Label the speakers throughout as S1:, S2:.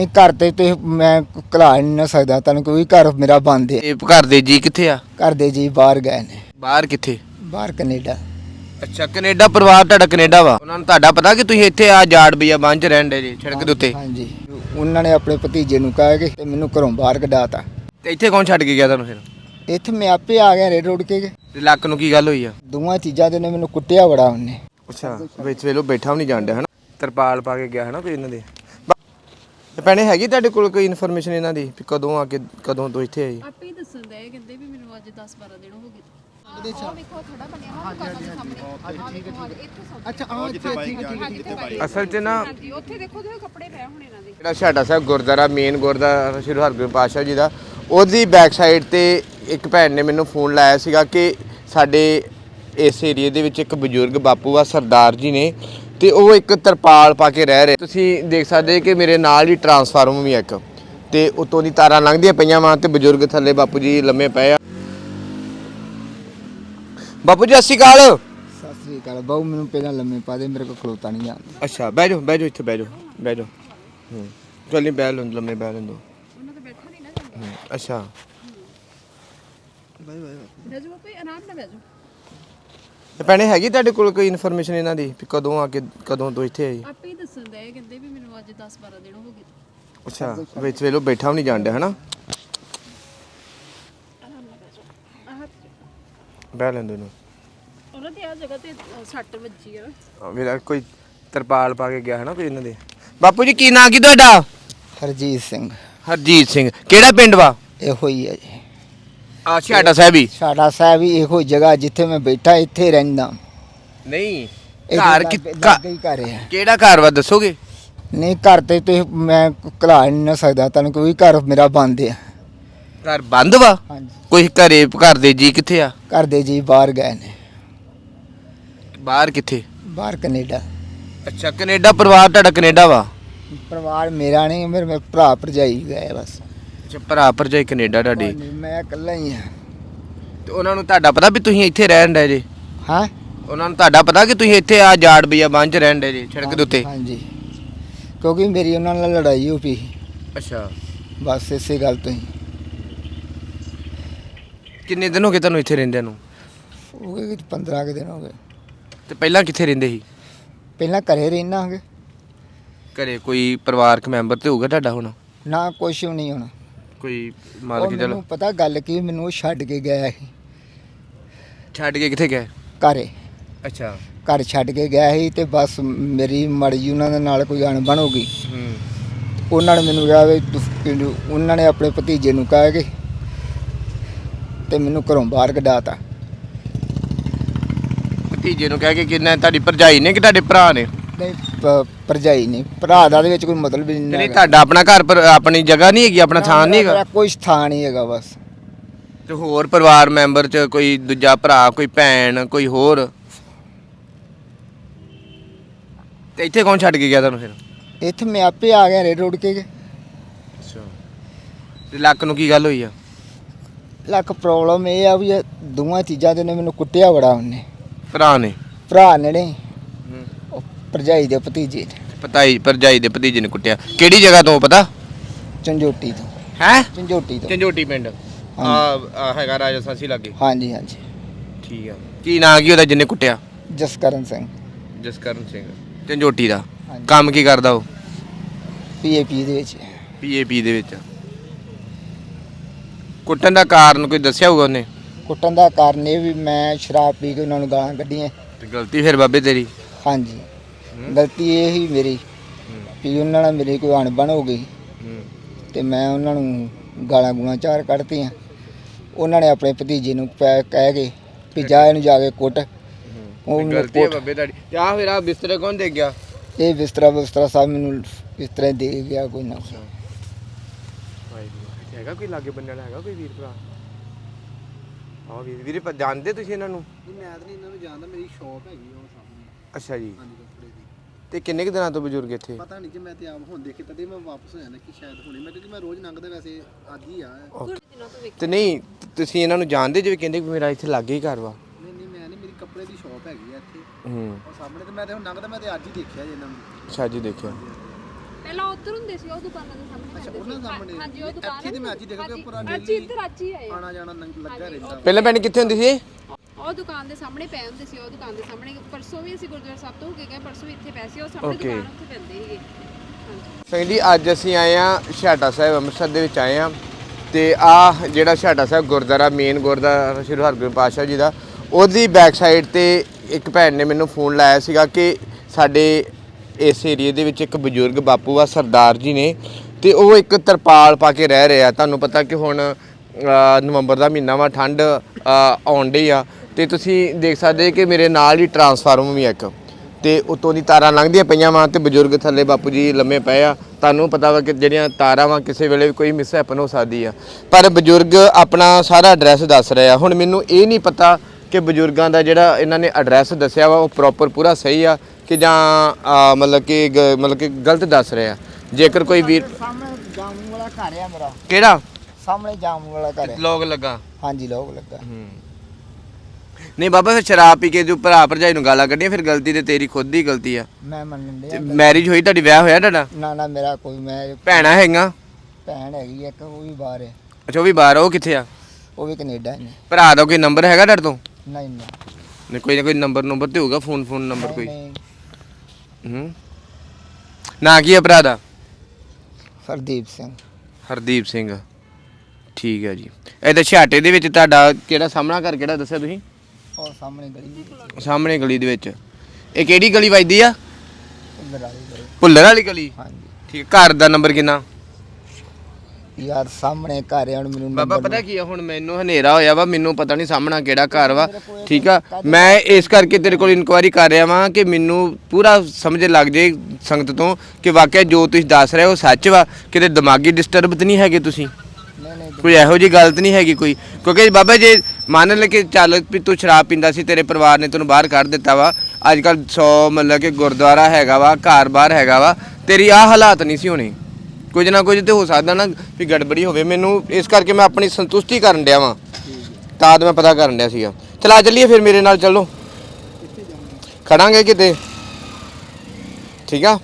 S1: घर ते तो मैं घला नहीं ना सकदा तुहानूं क्योंकि घर मेरा बंद है।
S2: ਇਹ ਘਰ ਦੇ ਜੀ ਕਿੱਥੇ ਆ?
S1: घर दे जी बाहर गए ने,
S2: ਬਾਹਰ ਕਿੱਥੇ?
S1: बाहर कनेडा।
S2: ਅੱਛਾ ਕੈਨੇਡਾ, ਪਰਿਵਾਰ ਤੁਹਾਡਾ ਕੈਨੇਡਾ ਵਾ। ਉਹਨਾਂ ਨੂੰ ਤੁਹਾਡਾ ਪਤਾ ਕਿ ਤੁਸੀਂ ਇੱਥੇ ਆ ਜਾੜ ਬਈਆ ਬੰਨ ਚ ਰਹਿਣ ਦੇ ਜੀ ਸੜਕ ਦੇ ਉੱਤੇ?
S1: हाँ जी, उन्होंने अपने भतीजे नूं कहा कि ते मैनूं घरों बाहर कढाता।
S2: ਤੇ ਇੱਥੇ ਕੌਣ ਛੱਡ ਕੇ ਗਿਆ ਤੁਹਾਨੂੰ ਫਿਰ?
S1: इत्थे मैं आपे आ गया रेड रोड के
S2: ਤੇ ਲੱਕ ਨੂੰ ਕੀ ਗੱਲ ਹੋਈ ਆ?
S1: दोवां चीज़ां दे ने मैनूं कुट्टिया बड़ा उन्हें।
S2: ਅੱਛਾ ਵਿੱਚ ਵੇਲੋ ਬੈਠਾ ਵੀ ਨਹੀਂ ਜਾਣ ਡਿਆ ਹਨਾ, ਤਰਪਾਲ ਪਾ ਕੇ ਗਿਆ ਹਨਾ ਕੋਈ ਇਹਨਾਂ ਦੇ। ਤੇ ਭੈਣੇ ਹੈਗੀ ਤੁਹਾਡੇ ਕੋਲ ਕੋਈ ਇਨਫੋਰਮੇਸ਼ਨ ਇਹਨਾਂ ਦੀ ਵੀ ਕਦੋਂ ਆ ਕੇ ਕਦੋਂ ਤੋਂ ਇੱਥੇ ਆਈ?
S3: ਆਪੇ ਹੀ ਦੱਸਣ ਦੇ ਕਹਿੰਦੇ ਵੀ ਮੈਨੂੰ ਅੱਜ 10-12 ਦਿਨ ਹੋ ਗਏ। ਉਹ ਵੇਖੋ ਥੋੜਾ ਬਣਿਆ ਹੋਇਆ ਦੁਕਾਨਾਂ ਦੇ ਸਾਹਮਣੇ।
S1: अच्छा हाँ ठीक
S2: ਅਸਲ 'ਚ ਨਾ
S3: ਹਾਂਜੀ ਉੱਥੇ ਦੇਖੋ ਤੇ ਕੱਪੜੇ ਪਏ ਹੁਣ ਇਹਨਾਂ ਦੇ।
S2: ਜਿਹੜਾ ਛਾਟਾ ਸਾਹਿਬ ਗੁਰਦੁਆਰਾ ਮੇਨ ਗੁਰਦੁਆਰਾ ਸ਼੍ਰੀ ਹਰਗੋਬਿੰਦ ਪਾਤਸ਼ਾਹ ਜੀ ਦਾ, ਉਹਦੀ ਬੈਕ ਸਾਈਡ ਤੇ ਇੱਕ ਭੈਣ ਨੇ ਮੈਨੂੰ ਫੋਨ ਲਾਇਆ ਸੀਗਾ ਕਿ ਸਾਡੇ ਇਸ ਏਰੀਏ ਦੇ ਵਿੱਚ ਇੱਕ ਬਜ਼ੁਰਗ ਬਾਪੂ ਆ ਸਰਦਾਰ ਜੀ ਨੇ ਤੇ ਉਹ ਇੱਕ ਤਰਪਾਲ ਪਾ ਕੇ ਰਹਿ ਰਹੇ। ਤੁਸੀਂ ਦੇਖ ਸਕਦੇ ਕਿ ਮੇਰੇ ਨਾਲ ਹੀ ਟਰਾਂਸਫਾਰਮਰ ਵੀ ਆ ਇੱਕ, ਤੇ ਉਤੋਂ ਦੀ ਤਾਰਾਂ ਲੰਘਦੀਆਂ ਪਈਆਂ ਵਾਂ ਤੇ ਬਜ਼ੁਰਗ ਥੱਲੇ ਬਾਪੂ ਜੀ ਲੰਮੇ ਪਏ ਆ। ਬਾਪੂ ਜੀ ਸਤਿ ਸ਼੍ਰੀ ਅਕਾਲ।
S1: सत श्री अकाल बहु मैनूं पहलां लम्मे पा दे, मेरे को खलोता नहीं जांदा।
S2: ਅੱਛਾ ਬਹਿ ਜਾਓ ਇੱਥੇ ਬਹਿ ਜਾਓ ਚੱਲ ਨਹੀਂ ਬਹਿ ਲੈਂਦੋ, ਲੰਮੇ ਬਹਿ ਲੈਂਦੋ।
S3: ਉਹਨਾਂ ਤੋਂ ਬੈਠਾ ਨਹੀਂ ਨਾ ਜਾਂਦਾ।
S2: ਅੱਛਾ
S3: ਬਹਿ ਜਾਓ ਕੋਈ ਆਰਾਮ ਨਾਲ ਬਹਿ ਜਾਓ।
S2: ਤੇ ਭੈਣੇ ਹੈਗੀ ਤੁਹਾਡੇ ਕੋਲ ਕੋਈ ਇਨਫੋਰਮੇਸ਼ਨ ਇਹਨਾਂ ਦੀ ਵੀ ਕਦੋਂ ਆ ਕੇ ਕਦੋਂ ਤੋਂ ਇੱਥੇ ਆਈ?
S3: ਆਪੇ ਹੀ ਦੱਸਣ ਦੇ ਕਹਿੰਦੇ ਵੀ ਮੈਨੂੰ ਅੱਜ 10-12 ਦਿਨ ਹੋ ਗਏ।
S2: ਅੱਛਾ ਵਿੱਚ ਵੇਲੋ ਬੈਠਾ ਵੀ ਨਹੀਂ ਜਾਣ ਡਿਆ ਹਨਾ,
S3: ਆਰਾਮ ਨਾਲ ਬਹਿ ਜਾਓ।
S2: ਬਹਿ ਲੈਂਦੋ ਇਹਨੂੰ।
S3: ਉਹਨਾਂ ਦੀ ਆ ਜਗ੍ਹਾ ਤੇ ਸੱਟ ਵੱਜੀ ਆ।
S2: ਮੇਰਾ ਕੋਈ ਤਰਪਾਲ ਪਾ ਕੇ ਗਿਆ ਹੈ ਨਾ ਕੋਈ ਇਹਨਾਂ ਦੇ। ਬਾਪੂ ਜੀ ਕੀ ਨਾਂ ਕੀ ਤੁਹਾਡਾ?
S1: हरजीत सिंह
S2: ਹਰਜੀਤ ਸਿੰਘ। ਕਿਹੜਾ ਪਿੰਡ ਵਾ?
S1: इहो ही है जी।
S2: ਆ ਛਾਟਾ ਸਾਹਿਬ ਹੀ?
S1: साडा साहब ही इहो जगह जिथे मैं बैठा इत्थे रहिंदा।
S2: ਨਹੀਂ
S1: ਇਹਦੇ
S2: ਘਰ
S1: ਲਾਗੇ ਹੀ ਘਰ ਹੈ।
S2: ਕਿਹੜਾ ਘਰ ਵਾ ਦੱਸੋਗੇ?
S1: नहीं घर ते तो मैं घला नहीं ना सकदा तुहानूं क्योंकि घर मेरा बंद है।
S2: ਘਰ ਬੰਦ ਵਾ?
S1: हाँ जी,
S2: ਕੋਈ ਘਰ ਦੇ ਜੀ ਕਿੱਥੇ ਆ?
S1: घर दे जी बाहर गए ने,
S2: ਬਾਹਰ ਕਿੱਥੇ?
S1: बाहर कनेडा।
S2: ਅੱਛਾ ਕੈਨੇਡਾ, ਪਰਿਵਾਰ ਤੁਹਾਡਾ ਕੈਨੇਡਾ ਵਾ?
S1: परिवार मेरा नहीं, मेरे भरा भरजाई गए बस।
S2: ਅੱਛਾ ਭਰਾ ਭਰਜਾਈ ਕੈਨੇਡਾ ਤੁਹਾਡੇ।
S1: मैं इकल्ला ही हाँ।
S2: ਤੇ ਉਹਨਾਂ ਨੂੰ ਤੁਹਾਡਾ ਪਤਾ ਵੀ ਤੁਸੀਂ ਇੱਥੇ ਰਹਿਣ ਦੇ ਜੇ?
S1: हाँ
S2: ਉਹਨਾਂ ਨੂੰ ਤੁਹਾਡਾ ਪਤਾ ਕਿ ਤੁਸੀਂ ਇੱਥੇ ਆ ਜਾੜ ਬਈਆ ਬੰਨ ਚ ਰਹਿਣ ਦੇ ਜੇ ਸੜਕ ਦੇ ਉੱਤੇ?
S1: हाँ जी, क्योंकि मेरी उन्होंने लड़ाई हो पी
S2: ਅੱਛਾ
S1: बस इसे गल तो ही।
S2: ਕਿੰਨੇ ਦਿਨ ਹੋ ਗਏ ਤੁਹਾਨੂੰ ਇੱਥੇ ਰਹਿੰਦਿਆਂ ਨੂੰ?
S1: हो गए 15 के दिन हो गए।
S2: ਤੇ ਪਹਿਲਾਂ ਕਿੱਥੇ ਰਹਿੰਦੇ ਸੀ?
S1: पहला घरे रहना होंगे
S2: ਘਰੇ ਕੋਈ ਪਰਿਵਾਰਕ ਮੈਂਬਰ ਤੇ ਹੋਊਗਾ ਤੁਹਾਡਾ ਹੁਣ?
S1: ना कुछ भी नहीं होना।
S2: ਕੋਈ
S1: ਉਹ
S2: ਮਾਲਕ ਜਲ
S1: ਮੈਨੂੰ ਪਤਾ ਗੱਲ ਕੀ, ਮੈਨੂੰ ਉਹ ਛੱਡ ਕੇ ਗਿਆ ਸੀ
S2: ਛੱਡ ਕੇ ਕਿੱਥੇ ਗਏ?
S1: ਘਰੇ।
S2: ਅੱਛਾ
S1: ਘਰ ਛੱਡ ਕੇ ਗਿਆ ਸੀ ਤੇ ਬਸ ਮੇਰੀ ਮਰਜ਼ੀ ਉਹਨਾਂ ਦੇ ਨਾਲ ਕੋਈ ਅਣਬਣ ਹੋ ਗਈ। ਉਹਨਾਂ ਨੇ ਮੈਨੂੰ ਕਿਹਾ ਵੀ ਉਹਨਾਂ ਨੇ ਆਪਣੇ ਭਤੀਜੇ ਨੂੰ ਕਹਿ ਕੇ ਤੇ ਮੈਨੂੰ ਘਰੋਂ ਬਾਹਰ ਕਢਾਤਾ।
S2: ਭਤੀਜੇ ਨੂੰ ਕਹਿ ਕੇ ਕਿੰਨਾ? ਤੁਹਾਡੀ ਭਰਜਾਈ ਨੇ ਕਿ ਤੁਹਾਡੇ ਭਰਾ ਨੇ?
S1: ਨਹੀਂ ਭਰਜਾਈ ਨਹੀਂ, ਭਰਾ ਦਾ ਦੇ ਵਿੱਚ ਕੋਈ ਮਤਲਬ ਹੀ
S2: ਨਹੀਂ
S1: ਨਹੀਂ।
S2: ਤੁਹਾਡਾ ਆਪਣਾ ਘਰ ਪਰ ਆਪਣੀ ਜਗ੍ਹਾ ਨਹੀਂ ਹੈਗੀ, ਆਪਣਾ ਥਾਂ ਨਹੀਂ ਹੈਗਾ?
S1: ਕੋਈ ਥਾਂ ਨਹੀਂ ਹੈਗਾ ਬਸ।
S2: ਤੇ ਹੋਰ ਪਰਿਵਾਰ ਮੈਂਬਰ ਚ ਕੋਈ ਦੂਜਾ ਭਰਾ, ਕੋਈ ਭੈਣ, ਕੋਈ ਹੋਰ? ਤੇ ਇੱਥੇ ਕੌਣ ਛੱਡ ਕੇ ਗਿਆ ਤੁਹਾਨੂੰ ਫਿਰ?
S1: ਇੱਥੇ ਮੈਂ ਆਪੇ ਆ ਗਿਆ ਰੇਡ ਰੋਡ ਕੇ।
S2: ਅੱਛਾ ਤੇ ਲੱਕ ਨੂੰ ਕੀ ਗੱਲ ਹੋਈ ਆ?
S1: ਲੱਕ ਪ੍ਰੋਬਲਮ ਇਹ ਆ ਵੀ ਇਹ ਦੋਵਾਂ ਚੀਜ਼ਾਂ ਦੇ ਨੇ ਮੈਨੂੰ ਕੁੱਟਿਆ ਬੜਾ ਉਹਨੇ।
S2: ਭਰਾ ਨੇ?
S1: ਭਰਾ ਨੇ ਨਹੀਂ, ਉਹ ਭਰਜਾਈ ਦੇ ਭਤੀਜੇ ਨੇ।
S2: ਭਰਜਾਈ ਦੇ ਭਤੀਜੇ ਨੇ ਕੁੱਟਿਆ? ਕਿਹੜੀ ਜਗ੍ਹਾ ਤੋਂ ਪਤਾ?
S1: ਝੰਜੋਟੀ ਤੋਂ।
S2: ਹੈ
S1: ਝੰਜੋਟੀ ਤੋਂ।
S2: ਝੰਜੋਟੀ ਪਿੰਡ ਆ ਹੈਗਾ ਰਾਜਾ ਸਾਸੀ ਲਾਗੇ?
S1: ਹਾਂਜੀ ਹਾਂਜੀ।
S2: ਠੀਕ ਆ। ਕੀ ਨਾਂ ਕੀ ਉਹਦਾ ਜਿਹਨੇ ਕੁੱਟਿਆ?
S1: ਜਸਕਰਨ ਸਿੰਘ।
S2: ਜਸਕਰਨ ਸਿੰਘ ਝੰਜੋਟੀ ਦਾ।
S1: ਹਾਂਜੀ।
S2: ਕੰਮ ਕੀ ਕਰਦਾ ਉਹ?
S1: ਪੀਏਪੀ ਦੇ ਵਿੱਚ।
S2: ਪੀਏਪੀ ਦੇ ਵਿੱਚ। ਕੁੱਟਣ ਦਾ ਕਾਰਨ ਕੋਈ ਦੱਸਿਆ ਹੋਊਗਾ ਉਹਨੇ?
S1: ਕੁੱਟਣ ਦਾ ਕਾਰਨ ਇਹ ਵੀ ਮੈਂ ਸ਼ਰਾਬ ਪੀ ਕੇ ਉਹਨਾਂ ਨੂੰ ਗਾਲਾਂ ਕੱਢੀਆਂ।
S2: ਤੇ ਗਲਤੀ ਫਿਰ ਬਾਬੇ ਤੇਰੀ?
S1: ਹਾਂਜੀ, ਗਲਤੀ ਇਹ ਹੀ ਮੇਰੀ ਵੀ ਉਹਨਾਂ ਨਾਲ ਮੇਰੀ ਕੋਈ ਅਣਬਣ ਹੋ ਗਈ ਤੇ ਮੈਂ ਉਹਨਾਂ ਨੂੰ ਗਾਲਾਂ ਗੂਲਾਂ ਚਾਰ ਕੱਢਤੀਆਂ। ਉਹਨਾਂ ਨੇ ਆਪਣੇ ਭਤੀਜੇ ਨੂੰ ਕਹਿ ਕੇ ਵੀ ਜਾ ਇਹਨੂੰ ਜਾ ਕੇ ਕੁੱਟ। ਉਹ ਮੈਨੂੰ
S2: ਗਲਤੀ ਹੈ
S1: ਕੁੱਟ-
S2: ਬਾਬੇ ਤੁਹਾਡੀ। ਤੇ ਆ ਫਿਰ ਆ ਬਿਸਤਰੇ ਕੌਣ ਦੇ ਗਿਆ?
S1: ਇਹ ਬਿਸਤਰਾ ਸਭ ਮੈਨੂੰ ਇਸ ਤਰ੍ਹਾਂ ਦੇ ਗਿਆ ਕੋਈ ਨਾ।
S2: ਹੈਗਾ ਕੋਈ ਲਾਗੇ ਬੰਨੇ ਵਾਲਾ, ਹੈਗਾ ਕੋਈ ਵੀਰ ਭਰਾ? ਹਾਂ ਵੀਰੇ ਜਾਣਦੇ ਤੁਸੀਂ ਇਹਨਾਂ ਨੂੰ?
S4: ਮੈਂ ਤਾਂ ਨਹੀਂ ਇਹਨਾਂ ਨੂੰ ਜਾਣਦਾ, ਮੇਰੀ ਸ਼ੌਪ ਹੈਗੀ ਉਹ ਸਾਹਮਣੇ।
S2: ਅੱਛਾ ਜੀ।
S4: ਹਾਂਜੀ ਕੱਪੜੇ ਦੀ।
S2: ਤੇ ਕਿੰਨੇ ਕੁ ਦਿਨਾਂ ਤੋਂ ਬਜ਼ੁਰਗ ਇੱਥੇ?
S4: ਪਤਾ ਨਹੀਂ ਕਿ ਮੈਂ ਤੇ ਆਪ ਹੁਣ ਦੇਖੇ ਤਦੇ ਮੈਂ ਵਾਪਸ ਹੋ ਜਾਣਾ ਕਿ ਸ਼ਾਇਦ ਹੁਣੇ ਮੈਂ, ਕਿਉਂਕਿ ਮੈਂ ਰੋਜ਼ ਲੰਘਦਾ ਵੈਸੇ ਅੱਜ ਹੀ ਆ।
S2: ਤੇ ਨਹੀਂ ਤੁਸੀਂ ਇਹਨਾਂ ਨੂੰ ਜਾਣਦੇ ਜਿਵੇਂ ਕਹਿੰਦੇ ਕਿ ਮੇਰਾ ਇੱਥੇ ਲਾਗੇ ਹੀ ਘਰ ਵਾ?
S4: ਨਹੀਂ ਮੈਂ ਨਹੀਂ, ਮੇਰੀ ਕੱਪੜੇ ਦੀ ਸ਼ੌਪ ਹੈਗੀ ਆ ਇੱਥੇ
S2: ਹੂੰ
S4: ਉਹ ਸਾਹਮਣੇ, ਤੇ ਮੈਂ ਤੇ ਹੁਣ ਲੰਘਦਾ, ਮੈਂ ਤੇ ਅੱਜ ਹੀ ਦੇਖਿਆ ਜੀ ਇਹਨਾਂ ਨੂੰ।
S2: ਅੱਛਾ ਜੀ ਦੇਖਿਆ।
S3: ਪਹਿਲਾਂ ਉੱਧਰ ਹੁੰਦੇ ਸੀ, ਉਹ ਦੁਕਾਨਾਂ ਦੇ ਸਾਹਮਣੇ
S4: ਅੱਛਾ ਉਹਨਾਂ ਸਾਹਮਣੇ
S3: ਹਾਂਜੀ ਉਹ ਦੁਕਾਨ
S4: ਇੱਥੇ ਤੇ ਮੈਂ ਅੱਜ ਹੀ ਦੇਖਿਆ ਕਿ ਉੱਪਰ
S3: ਅੱਜ ਇੱਧਰ ਅੱਜ ਹੀ ਆਏ ਆ।
S4: ਆਣਾ ਜਾਣਾ ਲੱਗਾ ਰਹਿੰਦਾ।
S2: ਪਹਿਲਾਂ ਭੈਣ ਕਿੱਥੇ ਹੁੰਦੀ ਸੀ?
S3: ਉਹ ਦੁਕਾਨ ਦੇ ਸਾਹਮਣੇ ਪਏ ਹੁੰਦੇ ਸੀ, ਉਹ ਦੁਕਾਨ ਦੇ ਸਾਹਮਣੇ ਪਰਸੋਂ ਵੀ ਅਸੀਂ ਗੁਰਦੁਆਰਾ ਸਾਹਿਬ ਤੋਂ ਹੋ ਕੇ ਗਏ, ਪਰਸੋਂ ਵੀ ਇੱਥੇ ਪਏ ਸੀ, ਉਹ ਸਾਹਮਣੇ ਦੁਕਾਨ ਉੱਥੇ ਪੈਂਦੇ ਸੀਗੇ। ਹਾਂਜੀ
S2: ਸਿੰਘ ਜੀ ਅੱਜ ਅਸੀਂ ਆਏ ਆ ਛਾਟਾ ਸਾਹਿਬ ਅੰਮ੍ਰਿਤਸਰ ਦੇ ਵਿੱਚ ਆਏ ਆ ਤੇ ਆ ਜਿਹੜਾ ਛਾਟਾ ਸਾਹਿਬ ਗੁਰਦੁਆਰਾ ਮੇਨ ਗੁਰਦੁਆਰਾ ਸ਼੍ਰੀ ਹਰਗੋਬਿੰਦ ਪਾਤਸ਼ਾਹ ਜੀ ਦਾ, ਉਹਦੀ ਬੈਕ ਸਾਈਡ ਤੇ ਇੱਕ ਭੈਣ ਨੇ ਮੈਨੂੰ ਫੋਨ ਲਾਇਆ ਸੀਗਾ ਕਿ ਸਾਡੇ ਇਸ ਏਰੀਏ ਦੇ ਵਿੱਚ ਇੱਕ ਬਜ਼ੁਰਗ ਬਾਪੂ ਆ ਸਰਦਾਰ ਜੀ ਨੇ ਤੇ ਉਹ ਇੱਕ ਤਰਪਾਲ ਪਾ ਕੇ ਰਹਿ ਰਹੇ ਆ। ਤੁਹਾਨੂੰ ਪਤਾ ਕਿ ਹੁਣ ਨਵੰਬਰ ਦਾ ਮਹੀਨਾ ਵਾ, ਠੰਡ ਆਉਣ ਡਈ ਆ ਤੇ ਤੁਸੀਂ ਦੇਖ ਸਕਦੇ ਕਿ ਮੇਰੇ ਨਾਲ ਹੀ ਟਰਾਂਸਫਾਰਮਰ ਵੀ ਇੱਕ ਤੇ ਉਤੋਂ ਦੀ ਤਾਰਾਂ ਲੰਘਦੀਆਂ ਪਈਆਂ ਵਾ ਤੇ ਬਜ਼ੁਰਗ ਥੱਲੇ ਬਾਪੂ ਜੀ ਲੰਮੇ ਪਏ ਆ। ਤੁਹਾਨੂੰ ਪਤਾ ਵਾ ਕਿ ਜਿਹੜੀਆਂ ਤਾਰਾਂ ਵਾ ਕਿਸੇ ਵੇਲੇ ਵੀ ਕੋਈ ਮਿਸਹੈਪਨ ਹੋ ਸਕਦੀ ਆ, ਪਰ ਬਜ਼ੁਰਗ ਆਪਣਾ ਸਾਰਾ ਐਡਰੈਸ ਦੱਸ ਰਹੇ ਆ। ਹੁਣ ਮੈਨੂੰ ਇਹ ਨਹੀਂ ਪਤਾ ਕਿ ਬਜ਼ੁਰਗਾਂ ਦਾ ਜਿਹੜਾ ਇਹਨਾਂ ਨੇ ਐਡਰੈਸ ਦੱਸਿਆ ਵਾ ਉਹ ਪ੍ਰੋਪਰ ਪੂਰਾ ਸਹੀ ਆ ਕਿ ਜਾਂ ਮਤਲਬ ਕਿ ਗਲਤ ਦੱਸ ਰਹੇ ਆ। ਜੇਕਰ ਕੋਈ ਵੀਰ
S1: ਸਾਹਮਣੇ ਜਾਮੂ ਵਾਲਾ ਘਰ ਆ ਮੇਰਾ।
S2: ਕਿਹੜਾ
S1: ਸਾਹਮਣੇ ਜਾਮੂ ਵਾਲਾ ਘਰ ਹੈ।
S2: ਲੋਕ ਲੱਗਾ?
S1: ਹਾਂਜੀ ਲੋਕ ਲੱਗਾ।
S2: ਨਹੀਂ ਬਾਬਾ, ਫਿਰ ਸ਼ਰਾਬ ਪੀ ਕੇ ਜੋ ਭਰਾ ਭਰਜਾਈ ਨੂੰ ਗਾਲਾਂ ਕੱਢੀਆਂ, ਫਿਰ ਗਲਤੀ ਤੇ ਤੇਰੀ ਖੁਦ ਦੀ ਗਲਤੀ ਆ।
S1: ਮੈਂ ਮੰਨਣ ਡਿਆ।
S2: ਮੈਰਿਜ ਹੋਈ ਤੁਹਾਡੀ, ਵਿਆਹ ਹੋਇਆ ਤੁਹਾਡਾ?
S1: ਨਾ ਮੇਰਾ ਕੋਈ, ਮੈਂ
S2: ਭੈਣਾਂ ਹੈਗੀਆਂ?
S1: ਭੈਣ ਹੈਗੀ ਇੱਕ, ਉਹ ਵੀ ਬਾਹਰ ਹੈ।
S2: ਅੱਛਾ ਉਹ ਵੀ ਬਾਹਰ ਆ, ਉਹ ਕਿੱਥੇ ਆ?
S1: ਉਹ ਵੀ ਕੈਨੇਡਾ ਨੇ।
S2: ਭਰਾ ਦਾ ਕੋਈ ਨੰਬਰ ਹੈਗਾ ਤੁਹਾਡੇ ਤੋਂ?
S1: ਨਹੀਂ
S2: ਨਹੀਂ ਕੋਈ ਨਾ ਕੋਈ ਨੰਬਰ ਤੇ ਹੋਊਗਾ, ਫੋਨ ਨੰਬਰ ਕੋਈ।
S1: ਨਹੀਂ।
S2: ਨਾਂ ਕੀ ਆ ਭਰਾ ਦਾ?
S1: ਹਰਦੀਪ ਸਿੰਘ।
S2: ਹਰਦੀਪ ਸਿੰਘ, ਠੀਕ ਹੈ ਜੀ। ਇਹਦੇ ਛਾਟੇ ਦੇ ਵਿੱਚ ਤੁਹਾਡਾ ਕਿਹੜਾ ਸਾਹਮਣਾ ਘਰ ਕਿਹੜਾ ਦੱਸਿਆ ਤੁਸੀਂ?
S1: ਉਹ ਸਾਹਮਣੇ ਗਲੀ।
S2: ਸਾਹਮਣੇ ਗਲੀ ਦੇ ਵਿੱਚ। ਇਹ ਕਿਹੜੀ ਗਲੀ ਵੱਜਦੀ ਆ?
S1: ਭੁੱਲਰ ਵਾਲੀ ਗਲੀ।
S2: ਭੁੱਲਰ ਵਾਲੀ ਗਲੀ,
S1: ਹਾਂਜੀ।
S2: ਠੀਕ। ਘਰ ਦਾ ਨੰਬਰ ਕਿੰਨਾ?
S1: ਯਾਰ ਸਾਹਮਣੇ ਘਰ ਹੈ, ਹੁਣ ਮੈਨੂੰ
S2: ਬਾਬਾ ਪਤਾ ਕੀ ਆ, ਹੁਣ ਮੈਨੂੰ ਹਨੇਰਾ ਹੋਇਆ ਵਾ, ਮੈਨੂੰ ਪਤਾ ਨਹੀਂ ਸਾਹਮਣਾ ਕਿਹੜਾ ਘਰ ਵਾ, ਠੀਕ ਆ। ਮੈਂ ਇਸ ਕਰਕੇ ਤੇਰੇ ਕੋਲ ਇਨਕੁਆਇਰੀ ਕਰ ਰਿਹਾ ਵਾਂ ਕਿ ਮੈਨੂੰ ਪੂਰਾ ਸਮਝ ਲੱਗ ਜੇ ਸੰਗਤ ਤੋਂ ਕਿ ਵਾਕਿਆ ਜੋ ਤੁਸੀਂ ਦੱਸ ਰਹੇ ਹੋ ਸੱਚ ਵਾ, ਕਿਤੇ ਦਿਮਾਗੀ ਡਿਸਟਰਬ ਤਾਂ ਨਹੀਂ ਹੈਗੇ ਤੁਸੀਂ?
S1: ਨਹੀਂ
S2: ਕੋਈ ਇਹੋ ਜਿਹੀ ਗਲਤ ਨਹੀਂ ਹੈਗੀ ਕੋਈ? ਕਿਉਂਕਿ ਬਾਬਾ ਜੇ ਮੰਨ ਲੈ ਕਿ ਚੱਲ ਵੀ ਤੂੰ ਸ਼ਰਾਬ ਪੀਂਦਾ ਸੀ, ਤੇਰੇ ਪਰਿਵਾਰ ਨੇ ਤੈਨੂੰ ਬਾਹਰ ਕੱਢ ਦਿੱਤਾ ਵਾ, ਅੱਜ ਕੱਲ੍ਹ 100 ਮਤਲਬ ਕਿ ਗੁਰਦੁਆਰਾ ਹੈਗਾ ਵਾ, ਘਰ ਬਾਹਰ ਹੈਗਾ ਵਾ, ਤੇਰੀ ਆਹ ਹਾਲਾਤ ਨਹੀਂ ਸੀ ਹੋਣੀ। ਕੁਝ ਨਾ ਕੁਝ ਤੇ ਹੋ ਸਕਦਾ ਨਾ ਵੀ ਗੜਬੜੀ ਹੋਵੇ। ਮੈਨੂੰ ਇਸ ਕਰਕੇ ਮੈਂ ਆਪਣੀ ਸੰਤੁਸ਼ਟੀ ਕਰਨ ਡਿਆ ਵਾਂ, ਤਾਂ ਮੈਂ ਪਤਾ ਕਰਨ ਡਿਆ ਸੀਗਾ। ਚਲਾ ਚੱਲੀਏ ਫਿਰ ਮੇਰੇ ਨਾਲ, ਚੱਲੋ ਖੜਾਂਗੇ ਕਿਤੇ, ਠੀਕ ਆ?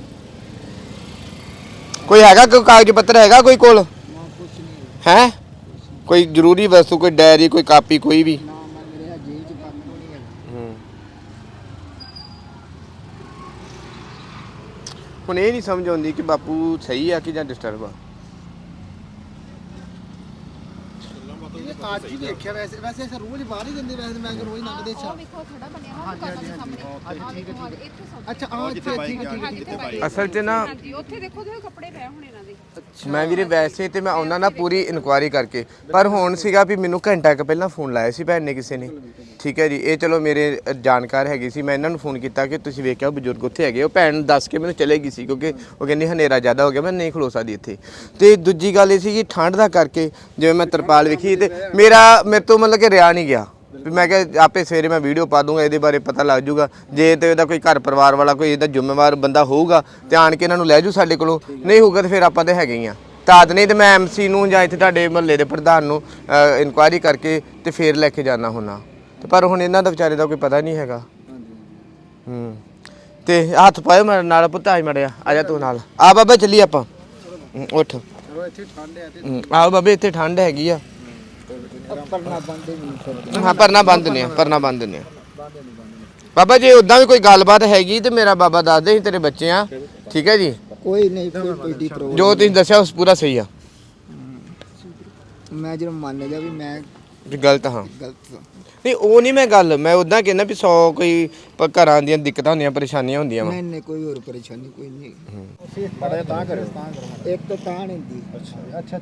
S2: ਕੋਈ ਹੈਗਾ ਕੋਈ ਕਾਗਜ਼ ਪੱਤਰ ਹੈਗਾ ਕੋਈ ਕੋਲ? ਹੈ ਕੋਈ ਜ਼ਰੂਰੀ ਵਸਤੂ, ਕੋਈ ਡਾਇਰੀ, ਕੋਈ ਕਾਪੀ, ਕੋਈ ਵੀ? ਹੁਣ ਇਹ ਨਹੀਂ ਸਮਝ ਆਉਂਦੀ ਕਿ ਬਾਪੂ ਸਹੀ ਆ ਕਿ ਜਾਂ ਡਿਸਟਰਬ ਆ।
S4: ਅੱਜ ਹੀ ਦੇਖਿਆ ਵੈਸੇ ਰੋਜ਼ ਬਾਹਰ ਹੀ ਜਾਂਦੇ, ਵੈਸੇ ਮੈਂ ਰੋਜ਼ ਲੰਘਦੇ
S3: ਉਹ ਵੇਖੋ ਥੋੜਾ ਬਣਿਆ ਨਾ ਦੁਕਾਨਾਂ ਦੇ ਸਾਹਮਣੇ। ਠੀਕ ਹੈ। ਇੱਥੇ ਸਭ
S4: ਅੱਛਾ ਆ ਠੀਕ
S2: ਅਸਲ 'ਚ ਨਾ
S3: ਹਾਂਜੀ ਉੱਥੇ ਦੇਖੋ ਤੇ ਕੱਪੜੇ ਪਏ ਹੁਣ ਇਹਨਾਂ ਦੇ।
S2: ਮੈਂ ਵੀਰੇ ਵੈਸੇ ਤੇ ਮੈਂ ਉਹਨਾਂ ਨਾਲ ਪੂਰੀ ਇਨਕੁਆਇਰੀ ਕਰਕੇ, ਪਰ ਹੁਣ ਸੀਗਾ ਵੀ ਮੈਨੂੰ ਘੰਟਾ ਕੁ ਪਹਿਲਾਂ ਫੋਨ ਲਾਇਆ ਸੀ ਭੈਣ ਨੇ ਕਿਸੇ ਨੇ, ਠੀਕ ਹੈ ਜੀ। ਇਹ ਚਲੋ ਮੇਰੇ ਜਾਣਕਾਰ ਹੈਗੇ ਸੀ, ਮੈਂ ਇਹਨਾਂ ਨੂੰ ਫੋਨ ਕੀਤਾ ਕਿ ਤੁਸੀਂ ਵੇਖਿਆ ਬਜ਼ੁਰਗ ਉੱਥੇ ਹੈਗੇ। ਉਹ ਭੈਣ ਦੱਸ ਕੇ ਮੈਨੂੰ ਚਲੇ ਗਈ ਸੀ ਕਿਉਂਕਿ ਉਹ ਕਹਿੰਦੀ ਹਨੇਰਾ ਜ਼ਿਆਦਾ ਹੋ ਗਿਆ, ਮੈਂ ਨਹੀਂ ਖਲੋ ਸਕਦੀ ਇੱਥੇ। ਤੇ ਦੂਜੀ ਗੱਲ ਇਹ ਸੀ ਕਿ ਠੰਡ ਦਾ ਕਰਕੇ ਜਿਵੇਂ ਮੈਂ ਤਰਪਾਲ ਵੇਖੀ ਤੇ ਮੇਰੇ ਤੋਂ ਮਤਲਬ ਕਿ ਰਿਆ ਨਹੀਂ ਗਿਆ ਵੀ ਮੈਂ ਕਿਹਾ ਆਪੇ ਸਵੇਰੇ ਮੈਂ ਵੀਡੀਓ ਪਾ ਦੂੰਗਾ, ਇਹਦੇ ਬਾਰੇ ਪਤਾ ਲੱਗ ਜੂਗਾ। ਜੇ ਤੇ ਇਹਦਾ ਕੋਈ ਘਰ ਪਰਿਵਾਰ ਵਾਲਾ ਕੋਈ ਇਹਦਾ ਜ਼ਿੰਮੇਵਾਰ ਬੰਦਾ ਹੋਊਗਾ ਤੇ ਆਣ ਕੇ ਇਹਨਾਂ ਨੂੰ ਲੈ ਜੂ ਸਾਡੇ ਕੋਲੋਂ, ਨਹੀਂ ਹੋਊਗਾ ਤੇ ਫਿਰ ਆਪਾਂ ਤੇ ਹੈਗੇ ਹੀ ਆ। ਤਾਦ ਨਹੀਂ ਤੇ ਮੈਂ ਐਮਸੀ ਨੂੰ ਜਾਂ ਇੱਥੇ ਤੁਹਾਡੇ ਮਹੱਲੇ ਦੇ ਪ੍ਰਧਾਨ ਨੂੰ ਇਨਕੁਆਇਰੀ ਕਰਕੇ ਤੇ ਫੇਰ ਲੈ ਕੇ ਜਾਣਾ ਹੁੰਦਾ। ਤੇ ਪਰ ਹੁਣ ਇਹਨਾਂ ਦਾ ਵਿਚਾਰੇ ਦਾ ਕੋਈ ਪਤਾ ਨਹੀਂ ਹੈਗਾ। ਤੇ ਹੱਥ ਪਾਇਓ ਮੇਰੇ ਨਾਲ, ਪੁੱਤ ਆ ਮੜਿਆ, ਆ ਜਾ ਤੂੰ ਨਾਲ ਆ ਬਾਬਾ, ਚੱਲੀ ਆਪਾਂ। ਉੱਠ।
S4: ਚਲੋ ਇੱਥੇ ਠੰਡ ਹੈ ਤੇ
S2: ਆਓ ਬਾਬੇ, ਇੱਥੇ ਠੰਡ ਹੈਗੀ ਆ।
S1: ਪਰਨਾ ਬੰਦੇ ਨਹੀਂ।
S2: ਹਾਂ ਪਰਨਾ ਬੰਦ ਨੇ, ਪਰਨਾ ਬੰਦ ਨੇ ਬਾਬਾ। ਜੇ ਉਦਾਂ ਵੀ ਕੋਈ ਗੱਲਬਾਤ ਹੈਗੀ ਤੇ ਮੇਰਾ ਬਾਬਾ ਦੱਸ ਦੇ, ਤੇਰੇ ਬੱਚੇ ਆ, ਠੀਕ ਹੈ ਜੀ।
S1: ਕੋਈ ਨਹੀਂ, ਕੋਈ ਡੀ ਪ੍ਰੋਬਲਮ।
S2: ਜੋ ਤੁਸੀਂ ਦੱਸਿਆ ਉਸ ਪੂਰਾ ਸਹੀ ਆ।
S1: ਮੈਂ ਜਦੋਂ ਮੰਨ ਗਿਆ ਵੀ ਮੈਂ
S2: ਗਲਤ ਹਾਂ,
S1: ਗਲਤ।
S2: ਨਹੀਂ ਉਹ ਨਹੀਂ ਮੈਂ ਗੱਲ, ਮੈਂ ਉਦਾਂ ਕਹਿੰਦਾ ਵੀ 100 ਕੋਈ ਘਰਾਂ ਦੀਆਂ ਦਿੱਕਤਾਂ ਹੁੰਦੀਆਂ, ਪਰੇਸ਼ਾਨੀਆਂ ਹੁੰਦੀਆਂ ਵਾ।
S1: ਨਹੀਂ ਕੋਈ ਹੋਰ ਪਰੇਸ਼ਾਨੀ ਕੋਈ ਨਹੀਂ।
S4: ਬੜਾ ਤਾਂ ਕਰਿਓ।
S1: ਇੱਕ ਤਾਂ ਨਹੀਂ ਹੁੰਦੀ।
S4: ਅੱਛਾ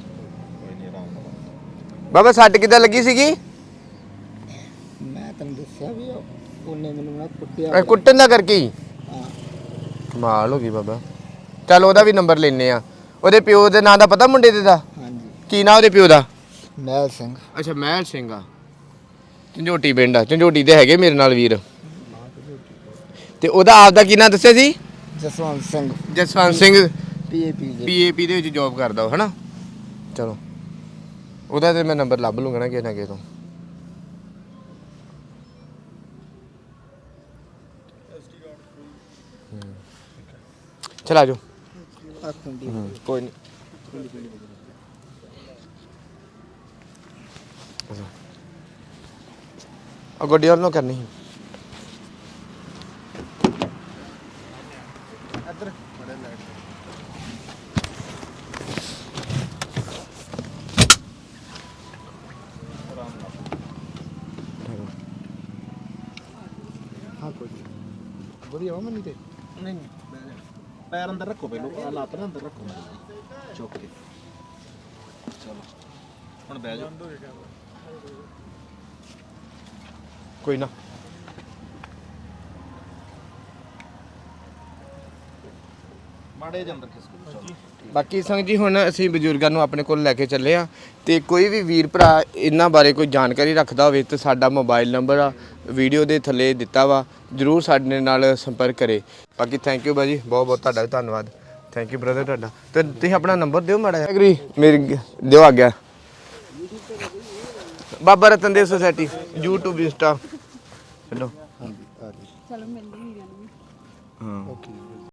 S2: ਬਾਬਾ ਸੱਟ ਕਿੱਦਾਂ ਲੱਗੀ ਸੀਗੀ?
S1: ਮੈਂ ਤੈਨੂੰ ਦੱਸਿਆ ਵੀ ਉਹਨੇ ਮੈਨੂੰ ਨਾ ਕੁੱਟਿਆ।
S2: ਕੁੱਟਣ ਦਾ ਕਰਕੇ ਹੀ
S1: ਹਾਂ।
S2: ਕਮਾਲ ਹੋ ਗਈ ਬਾਬਾ। ਚੱਲ ਉਹਦਾ ਵੀ ਨੰਬਰ ਲੈਨੇ ਆ। ਉਹਦੇ ਪਿਓ ਦੇ ਨਾਂ ਦਾ ਪਤਾ ਮੁੰਡੇ ਦੇ ਦਾ?
S1: ਹਾਂਜੀ।
S2: ਕੀ ਨਾਂ ਉਹਦੇ ਪਿਓ ਦਾ?
S1: ਮਹਿਲ ਸਿੰਘ।
S2: ਅੱਛਾ ਮਹਿਲ ਸਿੰਘ ਆ, ਝੰਜੋਟੀ ਪਿੰਡ ਆ। ਝੰਜੋਟੀ ਦੇ ਹੈਗੇ ਮੇਰੇ ਨਾਲ ਵੀਰ। ਤੇ ਉਹਦਾ ਆਪ ਦਾ ਕੀ ਨਾਂ ਦੱਸਿਆ ਸੀ?
S1: ਜਸਵੰਤ ਸਿੰਘ।
S2: ਜਸਵੰਤ ਸਿੰਘ
S1: ਪੀਏਪੀ
S2: ਦੇ ਵਿੱਚ ਜੌਬ ਕਰਦਾ ਉਹ, ਹਨਾ। ਚਲੋ ਉਹਦਾ ਤੇ ਮੈਂ ਨੰਬਰ ਲੱਭ ਲੂੰਗਾ ਨਾ ਕਿਸੇ ਨਾ ਕਿਸੇ ਤੋਂ। ਚਲ ਆ ਜਾਓ।
S1: ਆਖੁੰਡੀ
S2: ਕੋਈ ਨਹੀਂ ਆ ਗੱਡੀ ਵੱਲੋਂ ਕਰਨੀ ਸੀ
S4: ਇੱਧਰ ਬੜੇ ਲਾਈਟ ਹਾਂ ਕੋਈ ਵਧੀਆ ਵਾ ਮੰਨੀ ਤੇ ਨਹੀਂ ਪੈਰ ਅੰਦਰ ਰੱਖੋ ਪਹਿਲੋਂ ਆ ਲੱਤ ਨਾ ਅੰਦਰ ਰੱਖੋ ਚੁੱਕ ਕੇ ਚਲੋ ਹੁਣ ਬਹਿ ਜਾਓ
S2: ਕੋਈ ਨਾ
S4: ਮਾੜੇ ਜਿਹੇ ਅੰਦਰ ਖਿਸਕੋ ਚਲੋ
S2: ਬਾਕੀ ਸੰਗ ਜੀ ਹੁਣ ਅਸੀਂ ਬਜ਼ੁਰਗਾਂ ਨੂੰ ਆਪਣੇ ਕੋਲ ਲੈ ਕੇ ਚੱਲੇ ਆ ਤੇ ਕੋਈ ਵੀ ਵੀਰ ਭਰਾ ਇਹਨਾਂ ਬਾਰੇ ਕੋਈ ਜਾਣਕਾਰੀ ਰੱਖਦਾ ਹੋਵੇ ਤੇ ਸਾਡਾ ਮੋਬਾਈਲ ਨੰਬਰ ਆ ਵੀਡੀਓ ਦੇ ਥੱਲੇ ਦਿੱਤਾ ਵਾ ਜਰੂਰ ਸਾਡੇ ਨਾਲ ਸੰਪਰਕ ਕਰੇ ਬਾਕੀ ਥੈਂਕ ਯੂ ਬਾਜੀ ਬਹੁਤ ਬਹੁਤ ਤੁਹਾਡਾ ਵੀ ਧੰਨਵਾਦ ਥੈਂਕ ਯੂ ਬ੍ਰਦਰ ਤੁਹਾਡਾ ਤੇ ਤੁਸੀਂ ਆਪਣਾ ਨੰਬਰ ਦਿਓ ਮਾੜਾ ਐਗਰੀ ਮੇਰੀ ਦਿਓ ਆ ਗਿਆ Baba Ratan Dev society YouTube Insta ਚਲੋ
S3: ਚਲੋ ਮਿਲਦੇ ਵੀਰਾਂ ਨੂੰ
S2: ਹਾਂ
S4: ਓਕੇ